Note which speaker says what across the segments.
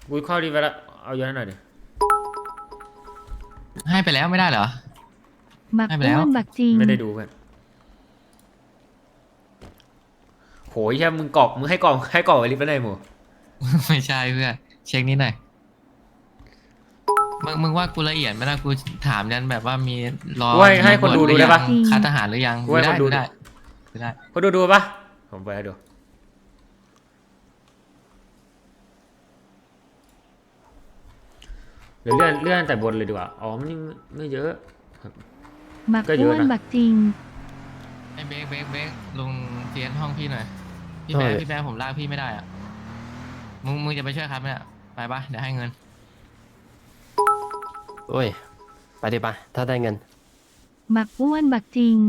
Speaker 1: กูเข้าดีไปละเอาเยอะหน่อยดิ
Speaker 2: ให้ไปแล้วไม่ได้เหรอ
Speaker 3: บัก
Speaker 2: ให้ไป
Speaker 3: อ้
Speaker 2: แล้ว
Speaker 3: วนบักจริง
Speaker 1: ไม่ได้ดูเพื่อนโหยแค่มึงกรอกมึงให้กรอกไว้ลิฟต์ไปไหนหมู
Speaker 2: ไม่ใช่เพื่อนเช็คนิดหน่อยมึงว่ากูละเอียดไหมล่ะกูถามยันแบบว่ามีรอ
Speaker 1: กูให้คนดูได้ปะ
Speaker 2: ค่าทหารหรือยัง
Speaker 1: กูให้คนดู
Speaker 2: ได้ได้
Speaker 1: คนดูปะผมไปให้ดูเดี๋ยวเลื่อนแต่บนเลยดีกว่าอ๋อมันไม่เยอะ
Speaker 3: บัก
Speaker 1: ก็เย
Speaker 3: อ้
Speaker 1: อะ
Speaker 3: ว
Speaker 1: นะ
Speaker 3: นบักจริง
Speaker 2: ไอ้เบรกลงเทียนห้องพี่หน่อยพี่
Speaker 1: ได้
Speaker 2: แบ๊ผมลากพี่ไม่ได้อ่ะมึงจะไปช่วยครับเนี่ยไปปะเดี๋ยวให้เงิน
Speaker 4: โอ้ยไปดิปะถ้าได้เงิน
Speaker 3: บักอ้วนบักจริง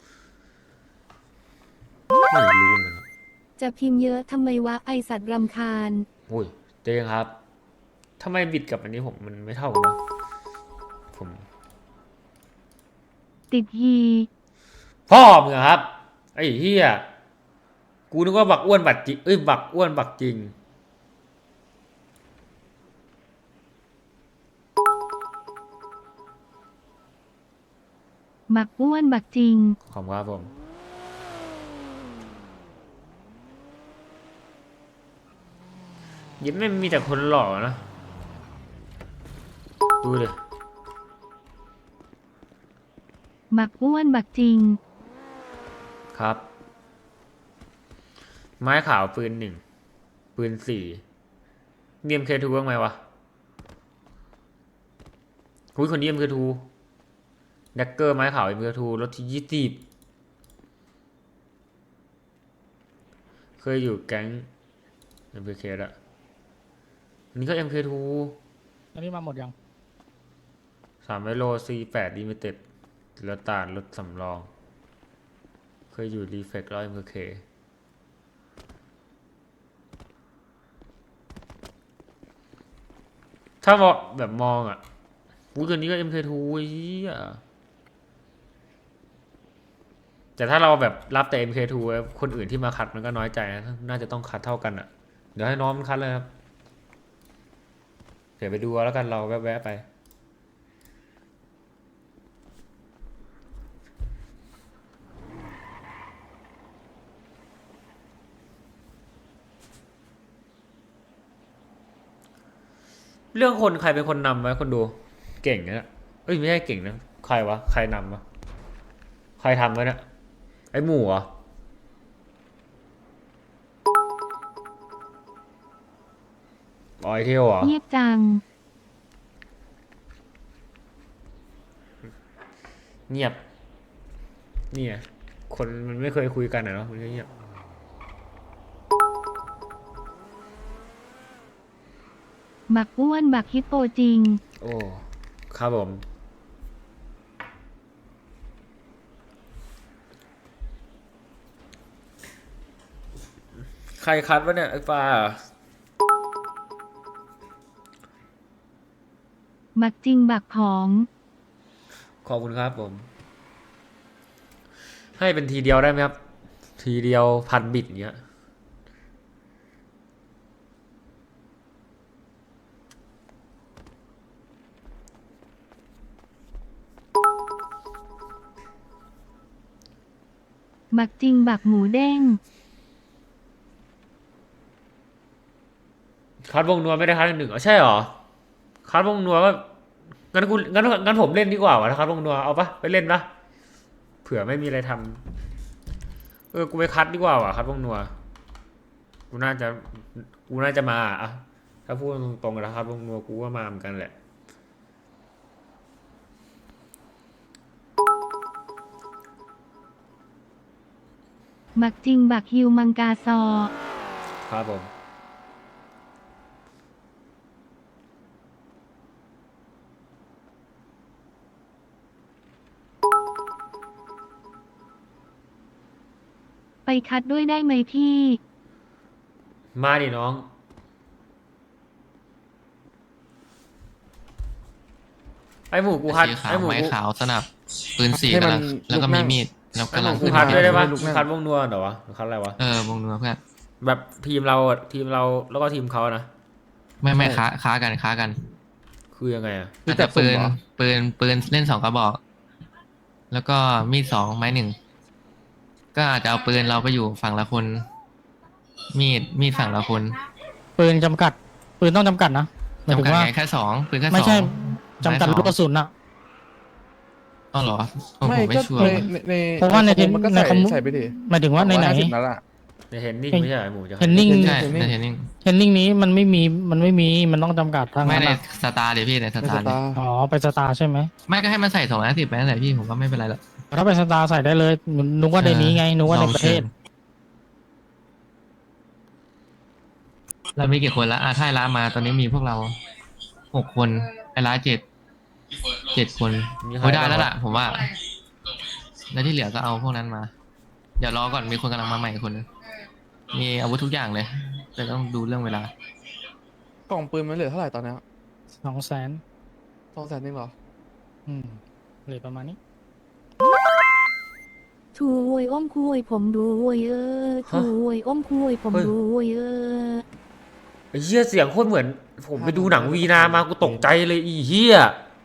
Speaker 1: ไม่รู้เหมือนกัน
Speaker 3: จะพิมพ์เยอะทำไมวะไอสัตว์รำคาญ
Speaker 1: โอ้ยเจ๊ครับทำไมบิดกับอันนี้ผมมันไม่เท่ากันวะผม
Speaker 3: ติดฮี
Speaker 1: พ่อมึงอะครับไอ้เฮียกูนึกว่าบักอ้วนบักจริงบักอ้วนบักจริง
Speaker 3: บักอ้วนบักจริง
Speaker 1: ขอบคุณครับผมยิ้มไม่มีแต่คนหล่อนะดูดิ
Speaker 3: บักอ้วนบักจริง
Speaker 1: ครับ ไม้ขาวปืน1ปืน4เนียมเคทูบ้างไหมวะคุยคนเนียมเคทูแดกเกอร์ไม้ขาวเอ็มเคทูรถที่20เคยอยู่แก๊ง MKK ละอันนี้ก็ MK2
Speaker 5: อันนี้มาหมดยัง
Speaker 1: 300โล C8 ลิมิเต็ดรถตาลรถสำรอง เคยอยู่รีเฟกแล้ว MKK ถ้ามองแบบมองอ่ะอุ้ยตัวนี้ก็ MK2 เฮียแต่ถ้าเราแบบรับแต่ MK2 คนอื่นที่มาคัดมันก็น้อยใจนะน่าจะต้องคัดเท่ากันอ่ะ เดี๋ยวให้น้องมันคัดเลยครับ เดี๋ยวไปดูเอาแล้วกันเราแวะๆไป เรื่องคนใครเป็นคนนำไว้คนดู เก่งนะเอ้ยไม่ใช่เก่งนะใครวะใครนำวะใครทำไว้เนี่ยไอ้หมูเหรออ๋อไอเทลเหรอ
Speaker 3: เงียบจัง
Speaker 1: เงียบเนี่ยคนมันไม่เคยคุยกันอะเนาะมันก็เงียบ
Speaker 3: บักอ้วนบักฮิปโปจริง
Speaker 1: โอ้ครับผมใครคัดวะเนี่ยไอ้ฟ้า
Speaker 3: บักจริงบักผอง
Speaker 1: ขอบคุณครับผม ให้เป็นทีเดียวได้ไหมครับ ทีเดียว1,000 บิตเงี้ย
Speaker 3: บักจริงบักหมูเด้ง
Speaker 1: คัดวงนัวไม่ได้คัด1อ๋อใช่เหรอคัดวงนัวว่างั้นผมเล่นดีกว่าวะถ้าคัดวงนัวเอาปะไปเล่นปะเผื่อไม่มีอะไรทำกูไปคัดดีกว่าวะคัดวงนัวกูน่าจะมาอะถ้าพูดตรงๆนะครับวงนัวกูก็มาเหมือนกันแหละ
Speaker 3: บักจริงบักฮิวมังกาซอ
Speaker 1: ครับผม
Speaker 3: ไปคัดด้วยได้ไหมพี่
Speaker 1: มาดิน้อง ไอหมูกูคัด
Speaker 2: สีขา
Speaker 1: ไอ
Speaker 2: ว
Speaker 1: หมู
Speaker 2: ไม้
Speaker 1: กู
Speaker 2: ขาวสนับปืน4
Speaker 4: ให้
Speaker 2: กำ
Speaker 4: มั
Speaker 2: ลั
Speaker 4: น
Speaker 2: งแล้วก็
Speaker 4: ลุกนั่
Speaker 2: มี
Speaker 4: ง
Speaker 2: มีดแล้ว
Speaker 1: ไอก
Speaker 2: ำ
Speaker 1: ห
Speaker 2: ลั
Speaker 1: มู
Speaker 2: ง
Speaker 1: กู
Speaker 2: ขึ้น
Speaker 1: คัดด้วยได้ปะ
Speaker 4: ลูกนั่ง
Speaker 1: คัดวงนัวเหรอวะหรือคัดอะไรวะ
Speaker 2: วงนัวเพื่อน
Speaker 1: แบบทีมเราแล้วก็ทีมเขานะ
Speaker 2: ไม่ค้ากัน
Speaker 1: คือยังไงอะ
Speaker 2: อาจจะปืนเล่น2 กระบอก แล้วก็มีด 2 ไม้ 1ก็อาจจะเอาปืนเราไปอยู่ฝั่งละคน มีดฝั่งละคน
Speaker 5: ปืนจำกัด ปืนต้องจำกัดนะหมายถึ
Speaker 2: จำกัด
Speaker 5: งว่า
Speaker 2: ไงแค่2ปืนแค่2
Speaker 5: ไม่ใช่จำกัดลูกกระสุนอะ
Speaker 2: อ๋อเหรอผม
Speaker 6: ไม่
Speaker 2: ไม่
Speaker 6: ก็
Speaker 2: ชัวร์
Speaker 6: ใน
Speaker 5: เพราะว่าใน
Speaker 6: คอมมันก็
Speaker 5: ในคอม
Speaker 6: ใส่ไปดิ
Speaker 5: หมายถึงว่าในไหน
Speaker 6: 150นัดอะ
Speaker 1: ในเฮนนิ่งไม่ใช่เหรอหมูจะ
Speaker 5: เฮนนิ่ง
Speaker 2: ใช่ในเทรนนิ่ง
Speaker 5: เทนนิ่งนี้มันไม่มีมันต้องจำกัดทาง
Speaker 2: ไม่
Speaker 5: นั้น
Speaker 2: ใน
Speaker 5: อะ
Speaker 2: สตาร์เดี๋ยวพี่ในส
Speaker 6: ใน
Speaker 2: ตา
Speaker 6: ส
Speaker 2: ร์
Speaker 6: ตาร์
Speaker 5: อ๋อไปสตาร์ใช่ไหม
Speaker 2: ไม่ก็ให้มันใส่250ไปนั่นแหละพี่ผมก็ไม่เป็นไรหรอก
Speaker 5: ถ้าไปสตาร์ใส่ได้เลยนึกว่าในนี้ไงนึกว่าในประเทศ
Speaker 2: เรามีกี่คนละถ้าไอ้ร้านมาตอนนี้มีพวกเรา6 คนไอ้ร้าน7 คนโอ้ยได้แล้วล่ะผมว่า แล้วที่เหลือก็เอาพวกนั้นมา เดี๋ยวรอก่อนมีคนกำลังมาใหม่คนนึงมีอาวุธทุกอย่างเลยแต่ต้องดูเรื่องเวลา
Speaker 6: กล่องปืนมันเหลือเท่าไหร่ตอนเนี้ย
Speaker 5: 200,000
Speaker 6: 200,000นึงเหรอ
Speaker 5: เหลือประมาณนี้
Speaker 3: ช่วยอ้อมคุยผมด้วยช่วยอ้อมคุยผมด้วย
Speaker 1: ไอ้เหี้ยเสียงโคตรเหมือน ผมไปดูหนังวีนามากูตกใจเลยอีเหี้ย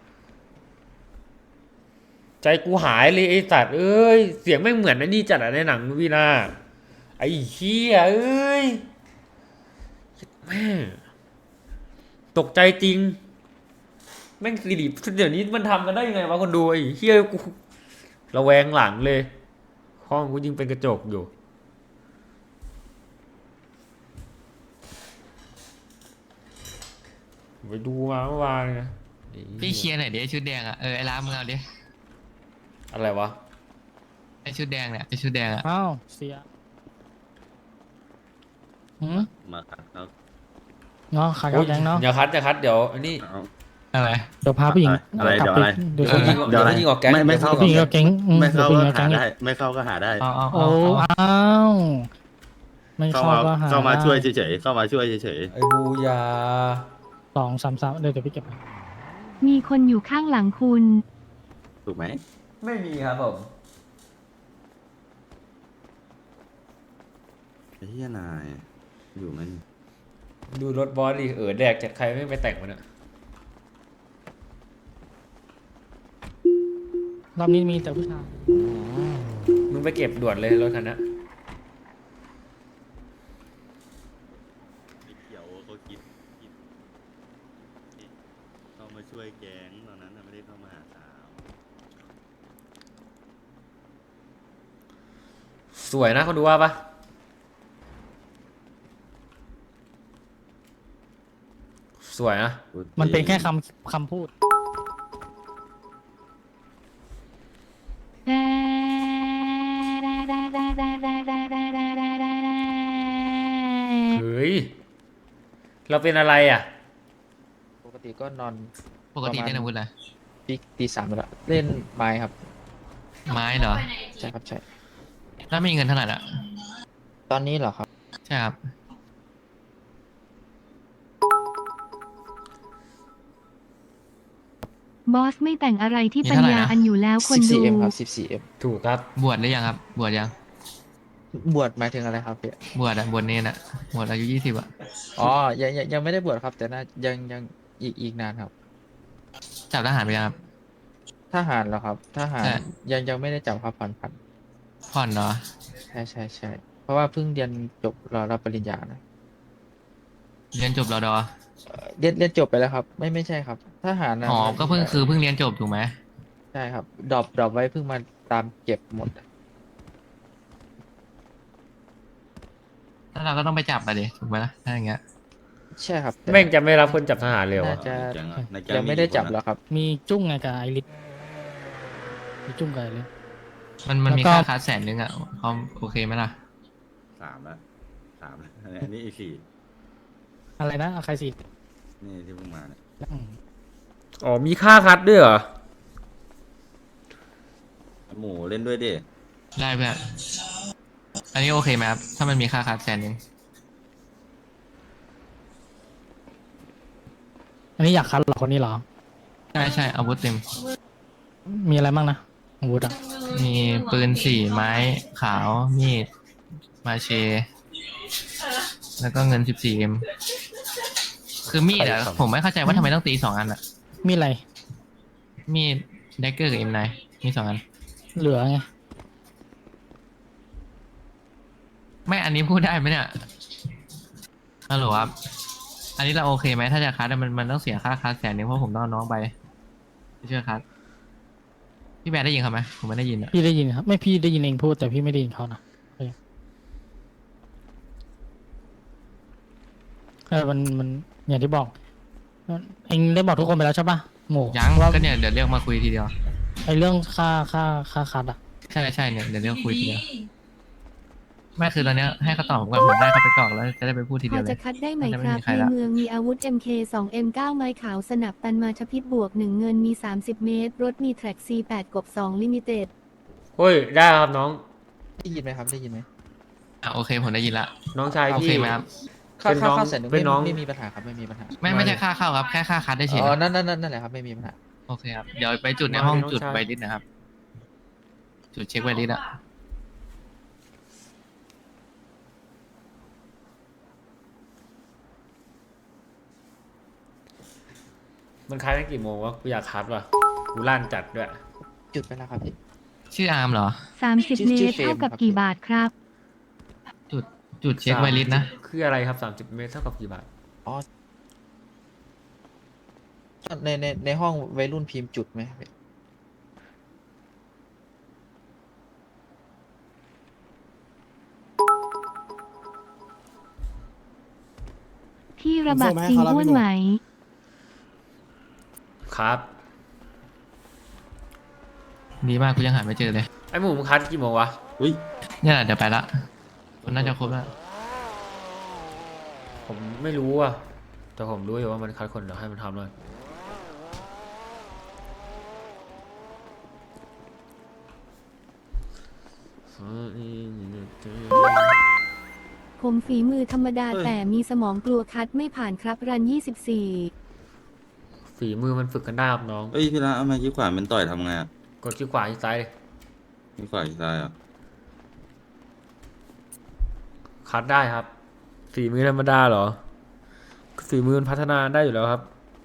Speaker 1: ใจกูหายเลยไอ้สัตว์เอ้ยเสียงไม่งเหมือนไอ้นี่จัดอะในหนังวีนาไอ้เหี้ยเอ้ยแม่งตกใจจริงแม่งสิริเดี๋ยวนี้มันทำกันได้ยังไงวะคนดูไอ้เหี้ยกูระแวงหลังเลยห้องกูยิงเป็นกระจกอยู่ไปดูมาเมื่อวานนะไอ้หี้
Speaker 2: พี่เคลียร์หน่อยดิไอ้ชุดแดงไอ้ร้านมึงเอาดิ
Speaker 1: อะไรวะ
Speaker 2: ไอ้ชุดแดงเนี่ยไอ้ชุดแดง
Speaker 5: อ้าวเสีย
Speaker 7: มาครับครับ
Speaker 5: เนาะขายกันยังเนาะ
Speaker 1: อย่าคัดเดี๋ยวอันนี้
Speaker 7: เอา
Speaker 2: อะไร
Speaker 5: เดี๋ยวพาผู้หญิง
Speaker 7: อะไร
Speaker 5: กลับ
Speaker 7: เดี๋ยว
Speaker 5: ไป
Speaker 7: อะไร
Speaker 5: ดู
Speaker 1: เดี๋ยวเขายิง
Speaker 7: เดี๋ยวอะไร
Speaker 1: ยิงออกแก๊ง
Speaker 7: ไม่เข้า
Speaker 5: ผู้หญิงก็เก่ง
Speaker 7: ไม่
Speaker 5: เดี๋ยว
Speaker 7: เข้า
Speaker 5: ผู้หญิง
Speaker 7: ก็
Speaker 5: ก็
Speaker 7: หา
Speaker 5: เก่ง
Speaker 7: ได้ ไม่เข้าก็หาได้
Speaker 2: เอา
Speaker 5: โอ้อ้าวไม่
Speaker 7: เข้า
Speaker 5: เข้า
Speaker 7: มา
Speaker 5: ก็หา
Speaker 7: เข้ามา
Speaker 5: ได้
Speaker 7: ช่วยเฉยๆเข้ามาช่วยเฉย
Speaker 1: ไอ้บูยา
Speaker 5: 2 3 3เดี๋ยวพี่เก็บไป
Speaker 3: มีคนอยู่ข้างหลังคุณ
Speaker 7: ๆถูกไหม
Speaker 1: ไม่มีครับผม
Speaker 7: ไอ้เหี้ยนายอยู่มัน
Speaker 1: ดูรถบอสดิแดกจัดใครไม่ไปแต่งมันอะ
Speaker 5: รอบนี้มีแต่ผู้ชาย
Speaker 1: มึงไปเก็บด่วนเลยรถคันนั้น
Speaker 7: ไม่เกี่ยวเขาคิดเข้ามาช่วยแก๊งตอนนั้นน่ะไม่ได้เข้ามาหาสาว
Speaker 1: สวยนะคนดูว่าปะสวยนะ
Speaker 5: มันเป็นแค่คำพูด
Speaker 1: เฮ้ยเราเป็นอะไรอ่ะ
Speaker 8: ปกติก็นอน
Speaker 2: ปกติเล่นอาวุธอะไร
Speaker 8: ตี 3แล้วเล่นไม้ครับ
Speaker 2: ไม้เหรอ
Speaker 8: ใช่ครับใช่
Speaker 2: แล้วมีเงินเท่าไหร่ละ
Speaker 8: ตอนนี้เหรอครับ
Speaker 2: ใช่ครับ
Speaker 3: บอสไม่แต่งอะไรที่ปัญญาอันอยู่แล้วคนดู
Speaker 8: 14M ครับ 14M
Speaker 1: ถูกครับ
Speaker 2: บวชหรือยังครับบวชยัง
Speaker 8: บวชหมายถึงอะไรครับพี่
Speaker 2: บวชเนนบวชอายุ20อ่ะ
Speaker 8: อ๋อยังไม่ได้บวชครับ แต่น่ายังอีกนานครับ
Speaker 2: จับทหารไปยังครับ
Speaker 8: ทหารเหรอครับทหาร
Speaker 2: ใช่
Speaker 8: ยังไม่ได้จับครับผ่อน
Speaker 2: ผ่อนเหรอ
Speaker 8: ใช่เพราะว่าเพิ่งเรียนจบรอรับปริญญานะ
Speaker 2: เรียนจบรอดอ
Speaker 8: เรียนจบไปแล้วครับ ไม่ใช่ครับทหารนะ
Speaker 2: อ๋อก็เพิ่งเรียนจบถูกไหม
Speaker 8: ใช่ครับดรอปไว้เพิ่งมาตามเก็บหมด
Speaker 2: แล้วเราก็ต้องไปจับไปดิถูกไหมล่ะถ้าอย่างเงี้ย
Speaker 8: ใช่ครับแต่
Speaker 1: แม่งจะไม่รับคนจับทหารเลยเหรอ
Speaker 8: น่า
Speaker 1: วะ
Speaker 8: จะ
Speaker 7: แก๊งอะในแก๊ง
Speaker 8: ยังไม่ได้จับ
Speaker 7: กี่คน
Speaker 8: หร
Speaker 7: อะ
Speaker 8: อกครับ
Speaker 5: มีจุ้งไงกับไอริสมีจุ้งกับไอริส
Speaker 2: มันมี
Speaker 5: แล้วก็
Speaker 2: ค่าคัส100,000อ่ะเขาโอเคไหมล่ะ
Speaker 7: 3ละอันนี้อีก
Speaker 5: อะไรนะเอาใครสิ
Speaker 7: 4นี่ที่เพิ่งมาเนี่ย
Speaker 1: อ๋อมีค่าคัดด้วยเหรอ
Speaker 7: หมูเล่นด้วยดิ
Speaker 2: ได้เพื่อนอันนี้โอเคไหมครับถ้ามันมีค่าคัส100,000
Speaker 5: อันนี้อยากคัดเหรอคนนี้เหรอ
Speaker 2: ใช่อาวุธเต็ม
Speaker 5: มีอะไรบ้างนะอาวุธอ่ะ
Speaker 2: มีปืน4 ไม้ขาวมีดมาเช แล้วก็เงิน 14M คืคือมีดอะ
Speaker 1: ใครทำ
Speaker 2: ผมไม่เข้าใจว่าทำไมต้องตี2 อันอะ
Speaker 5: มีอะไร
Speaker 2: มีดแดกเกอร์กับ M9 มี2 อัน
Speaker 5: เหลือไง
Speaker 2: ไม่อันนี้พูดได้ไหมเนี่ยฮัลโหลครับอันนี้เราโอเคไหมถ้าจะคัดอะมันต้องเสียค่าคัด100,000เพราะผมต้องเอาน้องไปไม่เชื่อคัดพี่แบร์ได้ยินเขาไหมผมไม่ได้ยินอะ
Speaker 5: พี่ได้ยินครับ ไม่พี่ได้ยินเองพูดแต่พี่ไม่ได้ยินเขานะมันอย่างที่บอกเองได้บอกทุกคนไปแล้วใช่ปะหมู
Speaker 2: ยัง
Speaker 5: ว่า
Speaker 2: ก็เนี่ยเดี๋ยวเรียกมาคุยทีเดียว
Speaker 5: ไอเรื่องค่าคัดอะ
Speaker 2: ใช่เนี่ยเดี๋ยวเรียกคุยทีเดียวไม่คือตอนเนี้ยให้เขาตอบผมก่อนผมได้เขาไปกรอกแล้วจะได้ไปพูดที
Speaker 3: พ
Speaker 2: เดี
Speaker 3: อ
Speaker 2: ยวเล
Speaker 3: จะ
Speaker 2: ย
Speaker 3: คัดได้ไหม
Speaker 2: น่าจะ
Speaker 3: ค
Speaker 2: ไม่
Speaker 3: รับ
Speaker 2: มีใคร
Speaker 3: ใน
Speaker 2: ละ
Speaker 3: เมืองมีอาวุธ MK 2 M9 ไม้ขาวสนับตันมาชพิษบวก 1 เงินมี 30 เมตร รถมีแทร็ก C8 กบ2ลิมิเต็ด
Speaker 1: เฮ้ยได้ครับน้อง
Speaker 8: ได้ยินไหมครับได้ยินไหม
Speaker 2: โอเคผมได้ยินละ
Speaker 1: น้องชาย
Speaker 2: โอ
Speaker 1: พี่
Speaker 2: เคไหมครับ
Speaker 8: ค่า
Speaker 1: เป็นน้อง
Speaker 8: ค่า100,000
Speaker 1: เป็นน้อง
Speaker 8: ไม่มีปัญหาครับไม่มีปัญหา
Speaker 2: ไม่ใช่ค่าเข้าครับแค่ค่าคัดได้เฉย
Speaker 8: อ๋อ
Speaker 2: นะ
Speaker 8: นั่นแหละครับไม่มีปัญหา
Speaker 2: โอเคครับเดี๋ยวไปจุดในห้อง
Speaker 1: น้อง
Speaker 2: จุด
Speaker 1: ชาย
Speaker 2: ไวริสนะครับ จุดเช็คไวริสอะ
Speaker 1: มันคล้ายกันกี่โมงวะกูอยากคัดว่ะกูลั่นจัดด้วย
Speaker 8: จุดไปแล้วครับพี่
Speaker 2: ชื่ออาร์มเหรอ
Speaker 3: 30 เม
Speaker 8: ชื่
Speaker 3: ต
Speaker 8: อ
Speaker 3: ร
Speaker 8: เฟรม
Speaker 3: เท่ากับ
Speaker 8: ครับ
Speaker 3: กี่บาทครับ
Speaker 2: จุดเช็คไวริสนะ
Speaker 1: คืออะไรครับ30 เมตรเท่ากับกี่บาท
Speaker 8: อ๋อในห้องวัยรุ่นพิมพ์จุดไหม
Speaker 3: ที่ระบาดจริงอ้วนไหม
Speaker 1: ครับ
Speaker 2: ดีมากกูยังหาไม่เจอเลย
Speaker 1: ไอ้หมูมึงคัดกี่โมงวะ
Speaker 7: อุ้ย
Speaker 2: เนี่ยแหละเดี๋ยวไปละมันน่าจะครบแล้ว
Speaker 1: ผมไม่รู้อ่ะแต่ผมรู้อยู่ว่ามันคัดคนเดี๋ยวให้มันทำเลย
Speaker 3: ผมฝีมือธรรมดา
Speaker 7: เฮ้ย
Speaker 3: แต่มีสมองกลัวคัดไม่ผ่านครับรัน 24
Speaker 1: ฝีมือมันฝึกกันได้ครับน้อง
Speaker 7: เอ้ยพี่ละเอามาขี้ขวานเป็นต่อยทำไงอ่ะ
Speaker 1: กดขี้ขวาที่ซ้ายเลย
Speaker 7: ขี้ขวานขี้ซ้ายอ่ะ
Speaker 1: คัดได้ครับ ฝีมือธรรมดาเหรอ ฝีมือมันพัฒนาได้อยู่แล้วครับ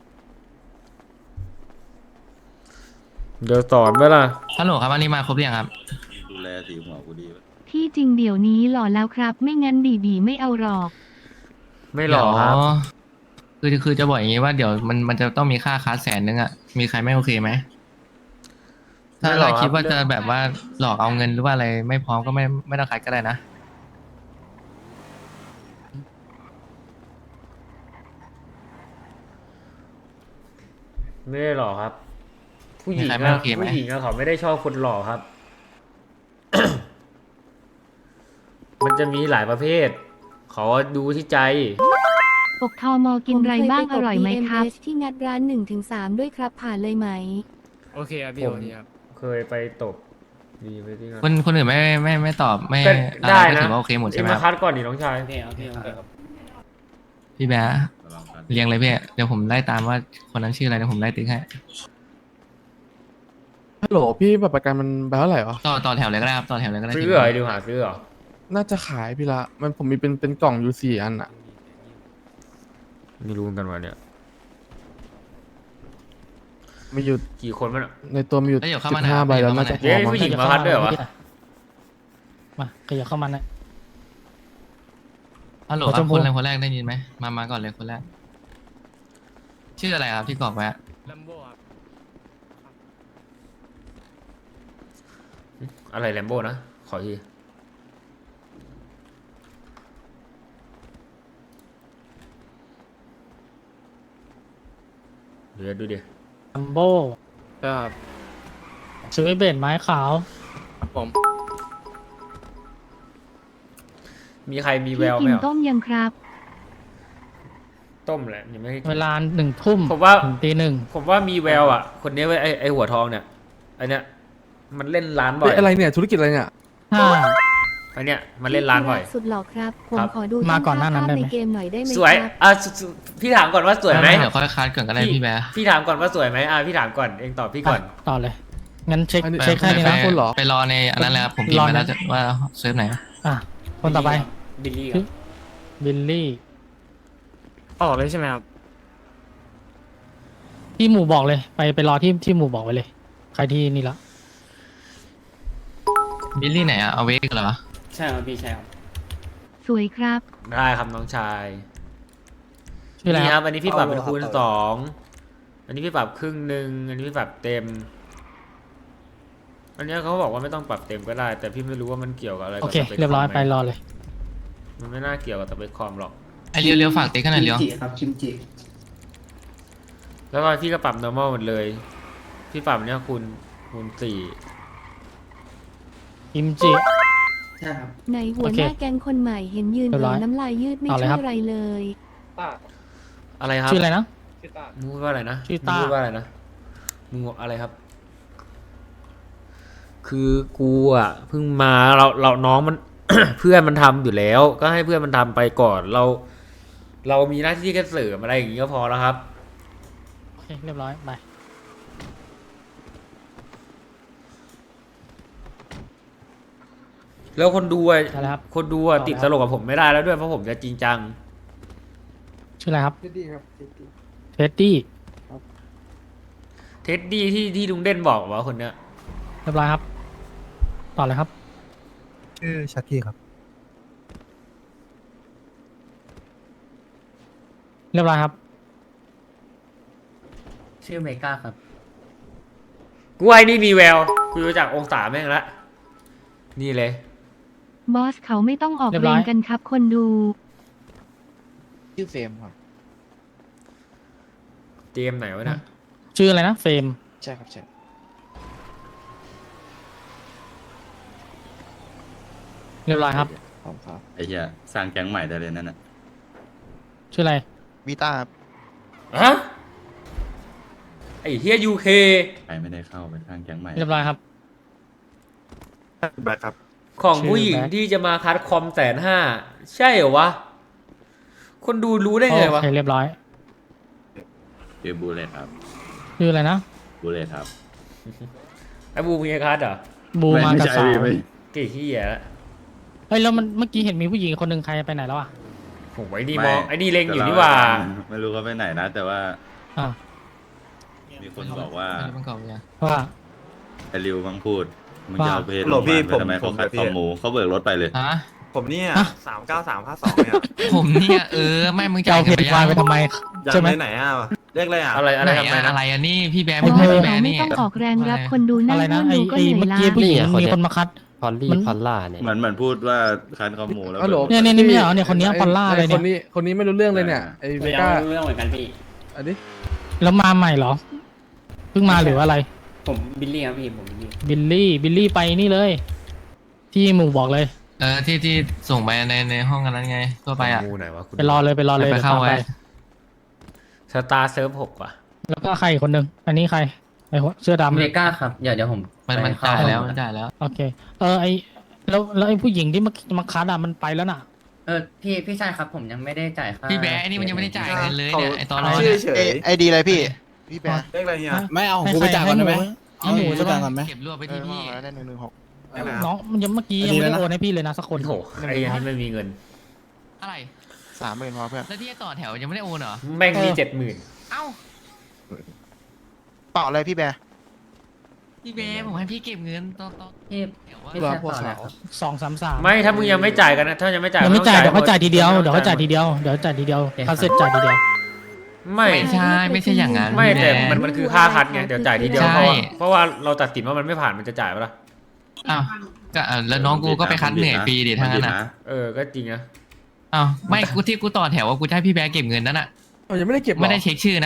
Speaker 1: เดี๋ยวสอนไหมล่ะ
Speaker 2: ฮัลโหลครับอันนี้มาครบหรือยังครับ
Speaker 7: ดูแลสีหัวกูดีไว้
Speaker 3: ที่จริงเดี๋ยวนี้หล่อแล้วครับ ไม่งั้นบีไม่เอาหรอก
Speaker 1: ไม่หรอกครับ
Speaker 2: คือจะบอกอย่างนี้ว่าเดี๋ยวมันจะต้องมีค่าคัส100,000อะมีใครไม่โอเคไหมถ้า
Speaker 1: ไม่หร
Speaker 2: เรา
Speaker 1: อกครับ
Speaker 2: คิดว่าจะแบบว่าหลอกเอาเงินหรือว่าอะไรไม่พร้อมก็ไม่ต้องคัดก็ได้นะ
Speaker 1: ไม่ได้หรอกครับ ผู้หญิง
Speaker 2: มีใครไม่
Speaker 1: อะ
Speaker 2: โอเคไหม
Speaker 1: ผู้หญิงอะเขาไม่ได้ชอบคนหล่อครับ มันจะมีหลายประเภท เขาดูที่ใจ
Speaker 3: ปกทมกินไรบ้างอร่อยไหมครับ ที่งัดร้าน 1-3 ด้วยครับผ่านเลยไหม
Speaker 5: โอเคครับพี่
Speaker 1: ผม
Speaker 5: โอเคครับ
Speaker 1: เคยไปตบดีไปที่นั่น
Speaker 2: คนอื่นไม่ตอบไม่
Speaker 1: ก็
Speaker 2: อะไร
Speaker 1: ได้
Speaker 2: ก็
Speaker 1: นะ
Speaker 2: ถือว่าโอเคหมดใช่ไหม
Speaker 1: เอ็ง
Speaker 2: ค
Speaker 1: มา
Speaker 2: รับ
Speaker 1: คัดก่อนดิน้องชาย
Speaker 5: โอเคครับพี่โอเคครับ
Speaker 2: พี่แบ๊ะ
Speaker 7: ลองกัน
Speaker 2: เรียงเลยพี่เดี๋ยวผมไล่ตามว่าคนนั้นชื่ออะไรเดี๋ยวผมไล่ติ๊กให้
Speaker 6: ฮัลโหลพี่บัตรประกันมันใบเท่าไหร่วะ
Speaker 2: ต่อแถวเลยก็ได้ครับต่อแถวเลยก็ได้
Speaker 1: ซื้อเหรอไอ้ดิวหาซื้อเหรอ
Speaker 6: น่าจะขายพี่ละผมมีเป็นกล่องอยู่4 อันอะ
Speaker 1: ไม่รู้เหมือนกันวันเนี่ย
Speaker 6: มีอยู่
Speaker 1: กี่คนมันอะ
Speaker 6: ในตัวมีอยู่
Speaker 2: แล้วเดี๋ยวเข้ามา
Speaker 6: 15 ใบแล้วน่าจะพ
Speaker 1: เย้
Speaker 6: อมั้ง
Speaker 1: ผู้หญิงมาคัดด้วยเหรอวะ
Speaker 5: มาขยับเข้ามานะ
Speaker 2: ฮัลโหล
Speaker 5: ขอ
Speaker 2: ค
Speaker 5: ช
Speaker 2: รับ
Speaker 5: มพู
Speaker 2: คนแรกได้ยินไหมมาก่อนเลยคนแรก ชื่ออะไรครับที่กรอกไว้อะ
Speaker 5: ลัมโบ้ครับ
Speaker 1: อะไรแลมโบ้นะ ขอทีเดี๋ยวดูดิ
Speaker 5: ลัมโบ้
Speaker 6: ครับ
Speaker 5: ซื้อไอเบนไม้ขาว
Speaker 6: ผม
Speaker 1: มีใครมีแว
Speaker 3: พี่
Speaker 1: วไหม
Speaker 3: กิน
Speaker 1: อ่ะ
Speaker 3: ต้มยังครับ
Speaker 1: ต้มแหละยังไม่ให้กิน
Speaker 5: เวลา1 ทุ่ม
Speaker 1: ผมว่า
Speaker 5: ถึงตี 1
Speaker 1: ผมว่ามีแววอ่ะ คนนี้เว้ยไอหัวทองเนี่ยไอเนี้ยมันเล่นร้านบ่อย
Speaker 6: เฮ้ยอะไรเนี่ยธุรกิจอะไรเนี่ย
Speaker 1: ไอเนี้ยมันเล่นร้านบ่อย
Speaker 3: สุดหล่อครับ ผม
Speaker 1: ครับ
Speaker 3: ขอดู
Speaker 5: มาก่อนหน้านั้น
Speaker 3: ภาพ
Speaker 5: ได้ไหม
Speaker 3: ในเกมหน่อยได้ไหม
Speaker 1: สวย
Speaker 3: ครับ
Speaker 1: อ่ะพี่ถามก่อนว่าสวยไหม
Speaker 2: เดี๋ยวค่อยคัดก่อนก็ได้พี่แบ๊ะ
Speaker 1: พี่ถามก่อนว่าสวยไหมพี่ถามก่อนเองตอบพี่ก่อน
Speaker 5: ต่อเลย งั้นเช็ค
Speaker 6: อันนี้
Speaker 5: เช็คแค่นี้นะ
Speaker 6: คนเหรอ
Speaker 2: ไปรอในอันนั้นแล้วผมพิมพ์ไปแล้วว่าเซิร์ฟไหน
Speaker 5: อ่ะ คนต่อไป
Speaker 1: บิลลี่
Speaker 5: บิลลี่
Speaker 9: ออกเลยใช่ไหมครับ
Speaker 5: ที่หมู่บอกเลย ไปรอที่หมู่บอกไว้เลย ใครที่นี่ละ
Speaker 2: บิลลี่ไหนอะเอาเวกเหรอ
Speaker 9: ใช่ครับพี่ใช่ครับ
Speaker 3: สวยครับ
Speaker 1: ได้ครับน้องชาย
Speaker 5: ชื่ออะไร
Speaker 1: นี่
Speaker 5: ค
Speaker 1: ค
Speaker 5: รั
Speaker 1: รับ บอันนี้พี่ปรับเป็นคูณ2อันนี้พี่ปรับครึ่งหนึ่งอันนี้พี่ปรับเต็ม อันเนี้ยเขาบอกว่าไม่ต้องปรับเต็มก็ได้ แต่พี่ไม่รู้ว่ามันเกี่ยวกับอะไร
Speaker 5: โอ
Speaker 1: กับ
Speaker 5: เค
Speaker 1: สปค
Speaker 5: เรียบร้อย
Speaker 1: คมหม
Speaker 5: ไปรอเลย
Speaker 1: มันไม่น่าเกี่ยวกับสเปคคอมหรอก
Speaker 2: ไอเลี้ยวฝากติ๊กกันหน่อยเลี้ยว
Speaker 9: จิครับคิมจิ
Speaker 1: แล้วก็พี่ก็ปรับ normal หมดเลย พี่ปรับเนี้ยคูณ4
Speaker 5: กิมจิ
Speaker 9: ใช่ครับ
Speaker 3: ในหัว
Speaker 5: โอเค
Speaker 3: หน้าแก๊งคนใหม่เห็นยืน
Speaker 5: เรียบร้อย
Speaker 3: น้ำลายยืดไม่
Speaker 5: เอาเล
Speaker 3: ช่
Speaker 5: ย
Speaker 3: วย
Speaker 5: ครับ
Speaker 3: อะไรเลย
Speaker 1: อะไรครับ
Speaker 5: ชื่ออะไรนะ
Speaker 1: มึงพูดว่าอะไรนะ
Speaker 5: ชื่อต้า
Speaker 1: มึงพูดว่าอะไรนะมึงบอกอะไรครับ คือกูอ่ะเพิ่งมาเราน้องมัน เพื่อนมันทำอยู่แล้ว ก็ให้เพื่อนมันทำไปก่อน เรามีหน้าที่แค่เสริมอะไรอย่างงี้ก็พอแล้วครับ
Speaker 5: โอเคเรียบร้อยไป
Speaker 1: แล้วคนดูอ่ะ
Speaker 5: ได้แล้วครับ
Speaker 1: คนดูอ่ะ
Speaker 5: ต่อแล้ว
Speaker 1: ติดตลกกับผมไม่ได้แล้วด้วยเพราะผมจะจริงจัง
Speaker 5: ชื่ออะไรครับ
Speaker 9: เท็ดดี้ครับเท็ดดี้
Speaker 5: เท็ดดี้
Speaker 1: เท็ดดี้ที่ลุงเด่นบอกว่าคนเนี้ย
Speaker 5: เรียบร้อยครับ ต่อเลยครับ
Speaker 6: ชื่อชักกี้ครับ
Speaker 5: เรียบร้อยครับ
Speaker 9: ชื่อเมกาครับ
Speaker 1: กูไอ้นี่มีแววกูรู้จักองศาแม่งละนี่เลย
Speaker 3: บอสเขาไม่ต้องออก
Speaker 5: เรียบ
Speaker 3: แร
Speaker 5: ร้อย
Speaker 3: งกันครับ คนดู
Speaker 8: ชื่อเฟรมครับ
Speaker 1: เจมส์ไหนวะเนี่ย
Speaker 5: ชื่ออะไรนะเฟรม
Speaker 8: ใช่ครับใช่
Speaker 5: เรียบร้อยครับ
Speaker 8: ขอบคุณครับ
Speaker 7: ไอ้เหี้ยสร้างแก๊งใหม่ได้เลยนั่นน่ะ
Speaker 5: ชื่ออะไร
Speaker 6: วีต้า
Speaker 1: ฮะไอ้เฮียยูเค
Speaker 7: ใครไม่ได้เข้าไปสร้างแก๊งใหม่
Speaker 5: เรียบร้อยครับ
Speaker 6: แบ็คครับ
Speaker 1: ของ
Speaker 5: ชื่อ
Speaker 1: ผู้หญิง
Speaker 5: แบ็ค
Speaker 1: ที่จะมาคัดคอม150,000ใช่เหรอวะ คนดูรู้ได้ไง
Speaker 5: โอ
Speaker 1: วะ
Speaker 5: เคเรียบร้อย
Speaker 7: ชื่อบูเลตครับ
Speaker 5: ชื่ออะไรนะ
Speaker 7: บูเลตครับ
Speaker 1: ไอ้บูมีคัดเหรอ
Speaker 5: บูมากับสาว
Speaker 1: เกี่เฮียละ
Speaker 5: เฮ้ยแล้วมันเมื่อกี้เห็นมีผู้หญิงคนหนึ่งใครไปไหนแล้วอ่ะ
Speaker 1: โอ้ยนี่มองไอ้นี่เล็งอยู่นี่หว่า
Speaker 7: ไม่รู้เขาไปไหนนะ แต่ว่า
Speaker 5: อ่า
Speaker 7: มีคนบอกว่า
Speaker 2: อันนี้มันเก่าเลย
Speaker 5: ว่า
Speaker 7: ไอ้ริวมังพูดมึงจะ
Speaker 5: ว่า
Speaker 7: เอาเพจ
Speaker 6: โหลพี่
Speaker 7: โรงพยาบาลไปทำไม
Speaker 6: ผม
Speaker 7: เขาขาย
Speaker 6: พี่
Speaker 7: คอมหมูเขาเบิกรถไปเลย
Speaker 2: ฮะ
Speaker 6: ผมเนี่ย
Speaker 5: ฮะ
Speaker 6: 39352เนี่ย
Speaker 2: ผมเนี่ยไม่มึง
Speaker 5: จะ
Speaker 2: จ่าย
Speaker 5: เอาเพ
Speaker 2: เงิน
Speaker 5: จ
Speaker 2: ไป
Speaker 5: วาย
Speaker 2: ยัง
Speaker 5: ไปทำไม
Speaker 6: ยัง
Speaker 5: ใช่ไหม
Speaker 6: ไหนอ่ะเรียกอะไรอ่ะ
Speaker 1: อะไรอะไร
Speaker 2: ไหน
Speaker 1: ทำไม
Speaker 2: อะ
Speaker 1: นะ
Speaker 2: อะไรอันนี้พี่แบร์
Speaker 3: บ
Speaker 2: มึง
Speaker 3: อ
Speaker 2: ให้
Speaker 3: ส
Speaker 2: พี่แบ
Speaker 3: เขา
Speaker 2: ร์
Speaker 3: ไม่
Speaker 2: นี่
Speaker 3: ต้องออกแรงรับคนดูนั่
Speaker 5: อะ
Speaker 3: ง
Speaker 5: ไรนะ
Speaker 3: ร่วม
Speaker 5: ไอ้
Speaker 3: ดูก็
Speaker 5: ไอ้
Speaker 3: เหนื่อย
Speaker 5: เมื่อกี้
Speaker 3: ล้า
Speaker 5: ผู้หญิง
Speaker 4: นี่อะคน
Speaker 5: มี
Speaker 4: เนี้ย
Speaker 5: คนมาคัด
Speaker 4: พอลลี่
Speaker 5: มัน
Speaker 4: พอลล่าเนี่ย
Speaker 7: เหมือนพูดว่าคันคอมหมูแล้ว
Speaker 6: ฮัลโหล
Speaker 5: เนี่ยเนี่ยไม่เหรอเนี่ยคนเนี้ยพอลล่าเลยเนี่ย
Speaker 6: คนนี้ไม่รู้เรื่องเลยเนี่ยไอ้เวก้า
Speaker 9: เรื่องเหมือนกันพี่
Speaker 6: อันนี้
Speaker 5: แล้วมาใหม่เหรอ เพิ่งมาหรือว่าอะไร
Speaker 9: ผมบิลลี่ครับพี่ผมบิลลี่
Speaker 5: บิลลี่ไปนี่เลย ที่หมู่บอกเลย
Speaker 2: ที่ส่งไปในห้องกันนั้นไงทั่วไปอ่ะ
Speaker 1: งูไหนวะคุณ
Speaker 5: ไปรอเลยไปรอเลย
Speaker 2: ไป
Speaker 5: เดี๋ยว
Speaker 2: เข้า
Speaker 5: ตาม
Speaker 2: ไว้
Speaker 5: ไป
Speaker 1: สตาร์เซิร์ฟ6ว่ะ
Speaker 5: แล้วก็ใครอีกคนหนึ่งอันนี้ใครไอ้หัวเสื้อดำ
Speaker 9: เมกาครับเดี๋ยวผม
Speaker 2: มันจ่ายแล้วมันจ่ายแล้ว
Speaker 5: โอเค ไอแล้วไอ้ผู้หญิงที่มาคัดอ่ะมันไปแล้วน่ะ
Speaker 9: พี่ชายครับผมยังไม่ได้จ่ายค่า
Speaker 2: พี่แบร์ไอ้นี่มันยังไม่ได้จ่ายเงินเลยเนี่ยไอตอนรอ
Speaker 6: ชื่
Speaker 2: เนี่
Speaker 6: อย เฉย
Speaker 10: ไอดีอะไรพี่ พี่แปะ
Speaker 6: เรียกอะไรเนี่ย
Speaker 5: ไม่เอากูไปจ่ายก่อนได้ไหมให้หมูใช่ปะ
Speaker 2: เก็บรวบไปที่พี่
Speaker 10: ได้116
Speaker 5: น้องมันยังเมื่อกี้ยังไม่ได้โอนให้พี่เลยนะสักคน
Speaker 1: โอ้โหไอ้ยันนี่ไม่มีเงิน
Speaker 2: อะไร
Speaker 10: 30,000พอเพื่อน
Speaker 2: แล้วที่ต่อแถวยังไม่ได้โอนเหรอ
Speaker 1: แม่งมี70,000
Speaker 2: เอ้า
Speaker 10: เปล่าอะไรพี่แปะ
Speaker 2: พี่แบร์ผมให้พี่เก็บเงินต่อ
Speaker 9: พี่
Speaker 2: แถวว่า
Speaker 9: พี่ชายต่อแล้วครับ
Speaker 5: 233
Speaker 1: ไม่ถ้ามึงยังไม่จ่ายกันนะถ้ายังไม่จ่าย
Speaker 5: ยังไม่จ่ายเดี๋ยวเขาจ่ายทีเดียว
Speaker 1: หม
Speaker 5: เดี๋ยวเขาจ่ายทีเดียวเดี๋ยวจ่ายทีเดียว
Speaker 9: โอเค
Speaker 5: เขาเสร็จจ่ายทีเดียว
Speaker 1: ไม่
Speaker 2: ไม่ใช่อย่างนั้น
Speaker 1: ไม่
Speaker 2: พี่
Speaker 1: แต่
Speaker 2: แบร์
Speaker 1: มันคือค่าคัดไงเดี๋ยวจ่ายทีเดียว
Speaker 2: ใช่
Speaker 1: เพราะว่าเราตัดสินว่ามันไม่ผ่านมันจะจ่ายปะล่ะ
Speaker 2: อ้าวก็แล้วน้องกูก็ไปคัดเหนื่อยฟรีดิทั้งนั้นอ่ะ
Speaker 1: ก็จริงนะ
Speaker 2: อ้าวไม่กูที่กูต่อแถวว่ากูจะให้พี่แบร์เก็บเงินนั่นอ่ะ
Speaker 6: ยังไม่ได้เก็บหรอ
Speaker 2: ไม่ได้เช็คชื่อนะ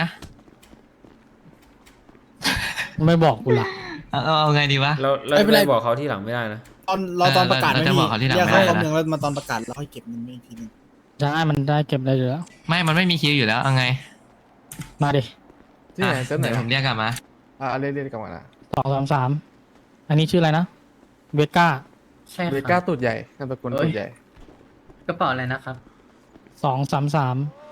Speaker 5: ไม่บอกกูละ
Speaker 2: เอาไงดีวะ
Speaker 1: เราจะไปบอกเขาที่หลังไม่ได้นะ
Speaker 2: ตอนประกาศไม่มีเรียกเขาคำนึงแล้ว
Speaker 5: ใช่มันได้เก็บได้อยู่แล้ว
Speaker 2: ไม่มันไม่มีคิวอยู่แล้วเอาไง
Speaker 5: มาดิ
Speaker 6: ที่ไหนเจ้าไหน
Speaker 2: เดี๋ยวผมเรียกกลับมา
Speaker 6: เรียกกลับมานะ
Speaker 5: 233อันนี้ชื่ออะไรนะเวก้า
Speaker 9: ใช่ค
Speaker 6: เว
Speaker 9: รับ
Speaker 6: ก้าตูดใหญ่นามสกุลตูดใหญ่
Speaker 9: กระเป๋าอะไรนะครับ
Speaker 5: 233